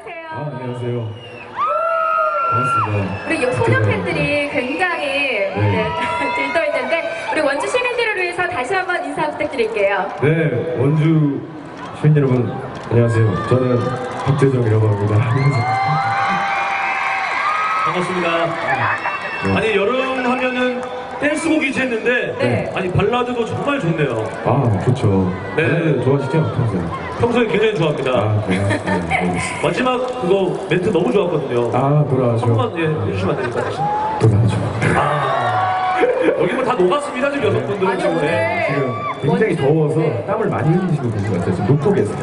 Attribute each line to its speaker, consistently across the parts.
Speaker 1: 안녕하세요. 반갑습니다.
Speaker 2: 우리 소녀 팬들이 굉장히 들떠있는데 우리 원주 시민들을 위해서 다시 한번 인사 부탁드릴게요.
Speaker 1: 네, 원주 시민 여러분 안녕하세요. 저는 박재정이라고 합니다.
Speaker 3: 반갑습니다.
Speaker 1: 네.
Speaker 3: 아니 여름 하면은 댄스곡이지 했는데
Speaker 2: 네.
Speaker 3: 아니 발라드도 정말 좋네요.
Speaker 1: 아, 좋죠.
Speaker 3: 네.
Speaker 1: 네, 좋아하시죠? 평소에?
Speaker 3: 평소에 굉장히 좋아합니다.
Speaker 1: 아, 그래요? 네, 알겠습니다.
Speaker 3: 마지막 그거 멘트 너무 좋았거든요.
Speaker 1: 아, 돌아가죠.
Speaker 3: 한 번만 해주시면 안 됩니까 다시?
Speaker 1: 돌아가죠.
Speaker 3: 여기 뭐 다 녹았습니다 지금 여성분들은
Speaker 2: 아니,
Speaker 3: 지금.
Speaker 2: 오늘
Speaker 1: 지금 굉장히 더워서 땀을 많이 흘리시고 계신 것 같아요. 지금 녹복에서.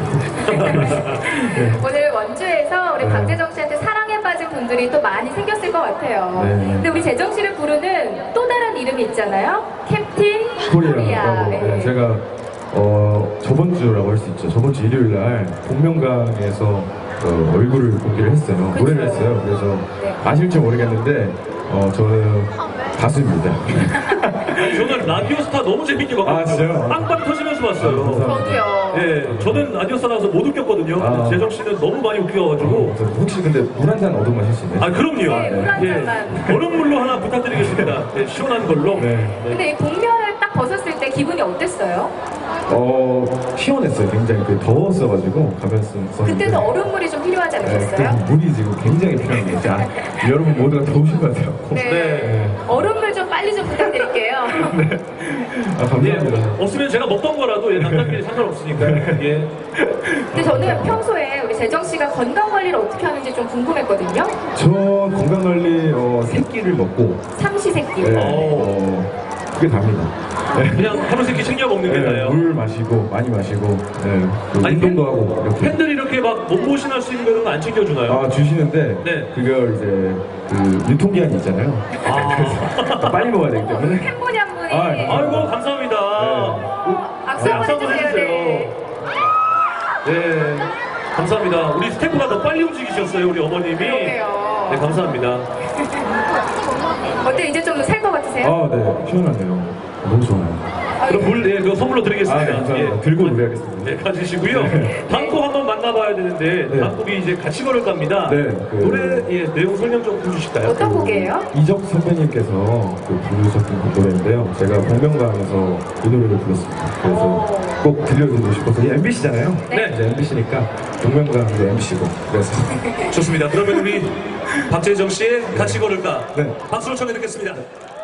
Speaker 2: 오늘 원주에서 우리
Speaker 1: 네.
Speaker 2: 박재정 씨한테 사랑에 빠진 분들이 또 많이 생겼을 것 같아요.
Speaker 1: 네.
Speaker 2: 근데 우리 재정 씨를 부르는 또 다른 이름이 있잖아요. 캡틴 코리아.
Speaker 1: 코리아라고.
Speaker 2: 네.
Speaker 1: 네, 제가 저번 주라고 할 수 있죠. 저번 주 일요일 날 복면가에서 얼굴을 공개를 했어요.
Speaker 2: 그쵸.
Speaker 1: 노래를 했어요. 그래서
Speaker 2: 네.
Speaker 1: 아실지 모르겠는데 저는 가수입니다.
Speaker 3: 아니, 저는 라디오스타 너무 재밌게 봤거든요.
Speaker 1: 아, 진짜요?
Speaker 3: 빵빵 터지면서
Speaker 1: 아,
Speaker 3: 봤어요.
Speaker 1: 감사합니다.
Speaker 2: 저도요.
Speaker 3: 예, 저는 라디오스타 나와서 못 웃겼거든요.
Speaker 1: 아.
Speaker 3: 재정 씨는 너무 많이 웃겨가지고.
Speaker 1: 혹시 근데 물 한 잔 얻어 마실 수 있나요?
Speaker 3: 아 그럼요.
Speaker 2: 네, 물한 잔만.
Speaker 3: 얼음물로 하나 부탁드리겠습니다. 네, 시원한 걸로.
Speaker 1: 네.
Speaker 2: 근데 이 복면을 딱 벗었을 때 기분이 어땠어요?
Speaker 1: 시원했어요. 굉장히 더웠어가지고 가면 썼는데.
Speaker 2: 그때는 얼음물이 좀 필요하지 않으셨어요?
Speaker 1: 네, 물이 지금 굉장히 필요한 게 있죠. 여러분 모두가 더우신 것 같아요.
Speaker 2: 네.
Speaker 1: 네.
Speaker 2: 얼음물 좀 빨리 좀 부탁드릴게요.
Speaker 1: 아,
Speaker 3: 예,
Speaker 1: 감사합니다.
Speaker 3: 없으면 제가 먹던 거라도 남자끼리 상관없으니까. 예.
Speaker 2: 근데 저는 평소에 우리 재정 씨가 건강 관리를 어떻게 하는지 좀 궁금했거든요.
Speaker 1: 저 건강관리 새끼를 먹고
Speaker 2: 삼시세끼.
Speaker 1: 그게 답니다. 네.
Speaker 3: 그냥 하루 세끼 챙겨 먹는 게 나아요.
Speaker 1: 물 마시고 많이 마시고 또
Speaker 3: 아니,
Speaker 1: 운동도 하고 이렇게
Speaker 3: 팬들이 이렇게 막 몸보신할 수 있는 거는 안 챙겨주나요?
Speaker 1: 주시는데
Speaker 3: 네.
Speaker 1: 그걸 이제 그 유통기한이 있잖아요. 그래서 빨리 먹어야 되기 때문에
Speaker 2: 팬분이 한 분이.
Speaker 3: 아이고 감사합니다.
Speaker 2: 박수
Speaker 3: 네,
Speaker 2: 한번
Speaker 3: 박수 한번
Speaker 2: 해주세요. 네.
Speaker 3: 네, 감사합니다. 우리 스태프가 더 빨리 움직이셨어요, 우리 어머님이.
Speaker 2: 그러게요.
Speaker 3: 네, 감사합니다.
Speaker 2: 어때 이제 좀 살 것 같으세요?
Speaker 1: 네, 시원하네요. 너무 좋아요.
Speaker 3: 그럼 물, 네, 그거 선물로 드리겠습니다.
Speaker 1: 감사합니다. 들고 노래하겠습니다.
Speaker 3: 네, 가지시고요. 다음 곡 한번 만나봐야 되는데,
Speaker 1: 네.
Speaker 3: 다음 곡이 이제 같이 걸을 겁니다.
Speaker 1: 네,
Speaker 3: 노래, 내용 설명 좀 해주실까요?
Speaker 2: 어떤 곡이에요?
Speaker 1: 이적 선배님께서 부르셨던 그 노래인데요. 제가 복면가에서 이 노래를 불렀습니다. 그래서 꼭 들려드리고 싶어서 MBC잖아요.
Speaker 3: 네.
Speaker 1: 이제 MBC니까 복면가도 MBC고 그래서
Speaker 3: 좋습니다. 그러면 우리 박재정 씨의 같이 걸을까?
Speaker 1: 네.
Speaker 3: 박수로 청해 듣겠습니다.